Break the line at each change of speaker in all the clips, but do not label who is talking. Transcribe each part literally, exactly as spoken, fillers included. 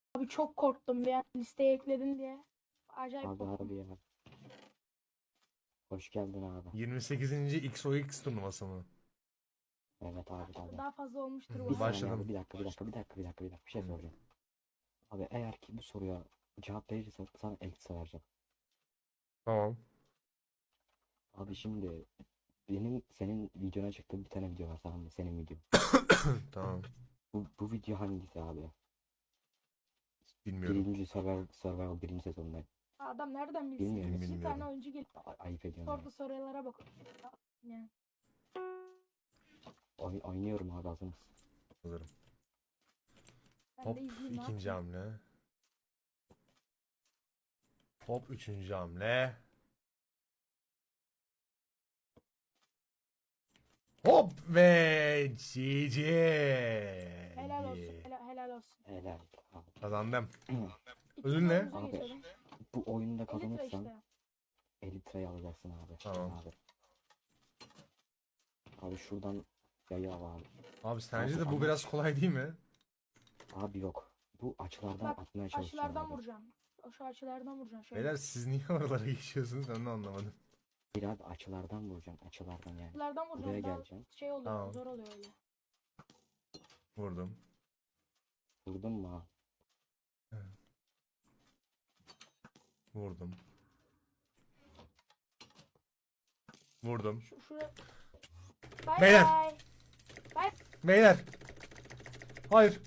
Abi çok korktum bir an listeye ekledin diye. Acayip
Abi
korktum.
abi ya. Hoş geldin abi.
yirmi sekizinci X O X turnuvası mı?
Evet abi abi.
Daha fazla olmuştur
Hı,
bu
Bir
arada.
saniye
Başladım.
abi bir dakika bir dakika bir dakika bir dakika bir dakika bir şey
Hı.
soracağım. Abi eğer ki bu soruya cevap verirsen sana eksi vereceğim.
Tamam.
Abi şimdi benim senin videona çıktığım bir tane video var, tamam mı? Senin video.
Tamam.
Bu, bu video hangisi abi?
Bilmiyorum.
Birinci Survival, Survival birinci sezonunda.
Adam nereden bilsin?
Bilmiyorum.
Bir
Bilmiyorum.
tane oyuncu gelip
A- ayıp ediyorum
sordu sorulara bak. Yani.
ya. Oy- oynuyorum abi, hazır mısın?
Hazırım.
Ben
Hop
de izleyeyim ne
ikinci
yapayım.
hamle. Hop üçüncü hamle. Hop ve G G.
Helal olsun. Helal, helal olsun.
Helal abi.
Kazandım.
İkinci
Ödül ne?
oyunumuza
Abi,
geçelim.
Bu oyunda
Elitra
kazanırsan
işte.
Elytra'yı alacaksın abi.
Tamam.
Abi. Abi şuradan yayı al abi.
Abi sence
Abi
de bu
amaç-
biraz kolay değil mi?
Abi yok. Bu açılardan
Bak
atmaya çalışacağım
açılardan
abi.
vuracağım. O şu açılardan vuracağım şöyle.
Beyler siz niye oralara geçiyorsunuz ben de anlamadım.
Bir abi açılardan vuracağım. Açılardan yani.
Açılardan vuracağım.
Buraya
Daha
geleceğim.
şey oluyor.
Tamam.
Zor oluyor öyle.
Vurdum.
Vurdun mu abi?
Vurdum. Vurdum.
Şu şuraya. Bay
Beyler.
bay. Bay.
Beyler. Hayır.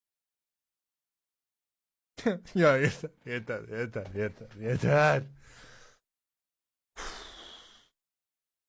Ya yeter, yeter, yeter, yeter, yeter.